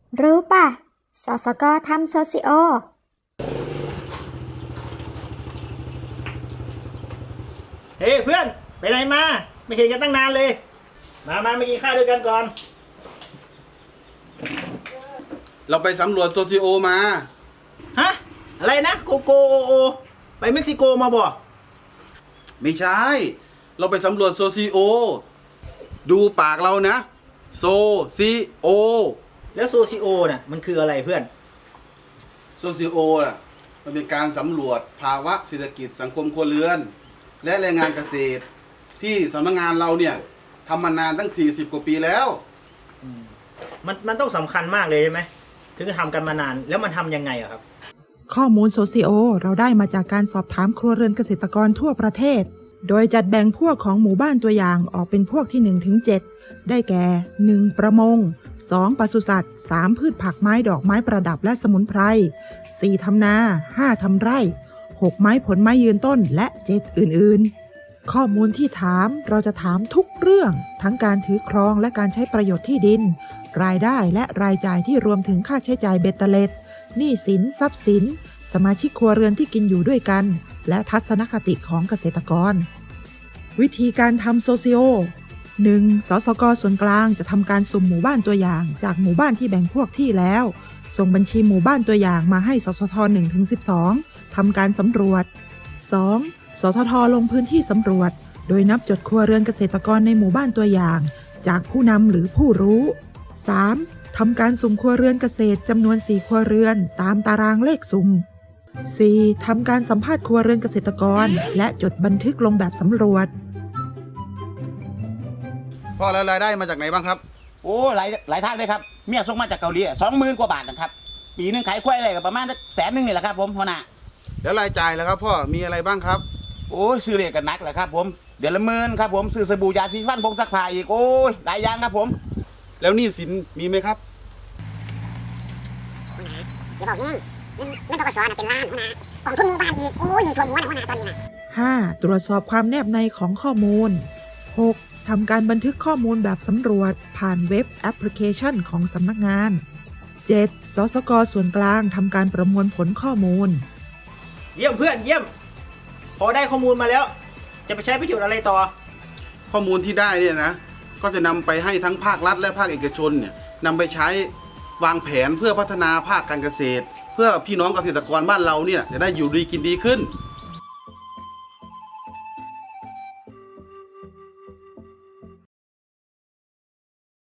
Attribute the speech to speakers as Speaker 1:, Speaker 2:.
Speaker 1: รู้ป่ะ สสกทำโซซิโอ
Speaker 2: เฮ้ยเพื่อนไปไหนมาไม่เห็นกันตั้งนานเลยมากินข้าวด้วยกันก่อน
Speaker 3: เราไปสำรวจโซซิโอมา
Speaker 2: ฮะอะไรนะโกโกโอโอไปเม็กซิโกมาบ่
Speaker 3: ไม่ใช่ เราไปสำรวจโซซิโอ ดูปากเรานะ โซซิโอ
Speaker 2: แล้วโซซิโอน่ะมันคืออะไรเพื่อน
Speaker 3: โซซิโอน่ะมันเป็นการสำรวจภาวะเศรษฐกิจสังคมครัวเรือน และแรงงานเกษตร ที่สำนักงานเราเนี่ยทำมานานตั้ง40 กว่าปีแล้ว
Speaker 2: มันต้องสำคัญมากเลยใช่ไหมถึงจะทำกันมานานแล้วมันทำยังไงอะครับ
Speaker 4: ข้อมูลโซซิโอเราได้มาจากการสอบถามครัวเรือนเกษตรกรทั่วประเทศ โดยจัดแบ่งพวกของหมู่บ้านตัวอย่างออกเป็นพวกที่ 1-7 ได้แก่ 1. ประมง 2. ปศุสัตว์ 3. พืชผักไม้ดอกไม้ประดับและสมุนไพร 4. ทำนา 5. ทำไร่ 6. ไม้ผลไม้ยืนต้นและ 7 อื่นๆ ข้อมูลที่ถามเราจะถามทุกเรื่องทั้งการถือครองและการใช้ประโยชน์ที่ดิน รายได้และรายจ่ายที่รวมถึงค่าใช้จ่ายเบ็ดเตล็ดหนี้สินทรัพย์สิน สมาชิกครัวเรือนที่กินอยู่ด้วยกัน และทัศนคติของเกษตรกร วิธีการทำโซซิโอ 1. สสก.ส่วนกลางจะทำการสุ่มหมู่บ้านตัวอย่างจากหมู่บ้านที่แบ่งพวกที่แล้ว ส่งบัญชีหมู่บ้านตัวอย่างมาให้สสท 1-12 ทำการสำรวจ 2. สสท ลงพื้นที่สำรวจ โดยนับจดครัวเรือนเกษตรกรในหมู่บ้านตัวอย่าง จากผู้นำหรือผู้รู้ 3. ทำการสุ่มครัวเรือนเกษตรจำนวน 4 ครัวเรือนตามตารางเลขสุ่ม 4. ทำการสัมภาษณ์ครัวเรือนเกษตรกรและจดบันทึกลงแบบสำรวจ
Speaker 3: พ่อแล้วรายได้มาจากไหนบ้างครับ
Speaker 5: โอ้หลายทางเลยครับเมียส่งมาจากเกาหลี20,000 กว่าบาทนะครับปีหนึงขายควายอะไรก็ประมาณ100,000นี่แหละครับผมหัวหน้า
Speaker 3: แล้วรายจ่ายแล้วครับพ่อมีอะไรบ้างครับ
Speaker 5: โอ้ยซื้อเหล็กกันนักแหละครับผมเดือนละหมื่นครับผมซื้อสบู่ยาสีฟันผงซักผ้าอีกโอ้ยหลายอย่างครับผม
Speaker 3: แล้วหนี้สินมีไหมครับ
Speaker 6: อย่าบอกยิ่งเงินปกสเป็นล้านหัวหน้ากองทุนหมู่บ้านอีกโอ้ยนี่ทวนหัวนะหัวหน้าตอนนี้นะ
Speaker 4: 5. ตรวจสอบความแนบในของข้อมูล 6. ทำการบันทึกข้อมูลแบบสำรวจผ่านเว็บแอปพลิเคชันของสำนักงาน 7. สสก.ส่วนกลางทำการประมวลผลข้อมูล
Speaker 2: เยี่ยมเพื่อนเยี่ยม พอได้ข้อมูลมาแล้ว จะไปใช้ประโยชน์อะไรต่อ
Speaker 3: ข้อมูลที่ได้เนี่ยนะก็จะนำไปให้ทั้งภาครัฐและภาคเอกชนเนี่ยนำไปใช้วางแผนเพื่อพัฒนาภาคการเกษตร เพื่อพี่น้องเกษตรกรบ้านเราเนี่ยจะได้อยู่ดีกินดีขึ้น